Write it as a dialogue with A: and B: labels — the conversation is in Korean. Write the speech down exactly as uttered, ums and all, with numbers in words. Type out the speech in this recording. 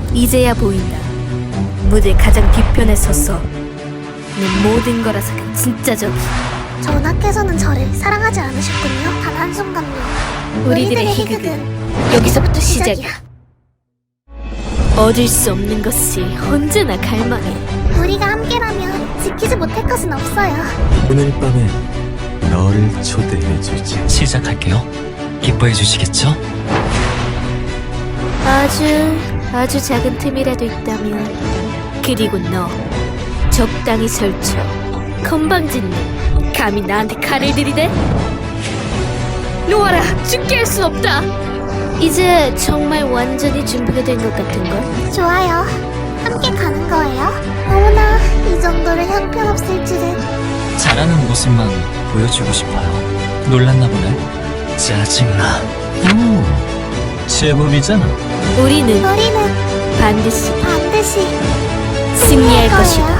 A: 이제야 보인다. 무대 가장 뒤편에 서서 내 모든 걸 앗아간 진짜 적이.
B: 전하께서는 저를 사랑하지 않으셨군요. 단 한순간도.
A: 우리들의 희극은 여기서부터 시작이야. 얻을 수 없는 것이 언제나 갈망해.
B: 우리가 함께라면 지키지 못할 것은 없어요.
C: 오늘 밤에 너를 초대해주지.
D: 시작할게요. 기뻐해 주시겠죠?
A: 아주 아주 작은 틈이라도 있다면. 그리고 너 적당히 설쳐. 건방진 너 감히 나한테 칼을 들이대? 놓아라! 죽게 할 순 없다! 이제 정말 완전히 준비가 된 것 같은걸?
B: 좋아요. 함께 가는 거예요? 어머나, 이 정도로 형편없을 줄은.
D: 잘하는 모습만 보여주고 싶어요. 놀랐나 보네. 짜증나. 오, 제법이잖아.
A: 우리는
B: 우리는
A: 반드시
B: 반드시
A: 승리할 것이다.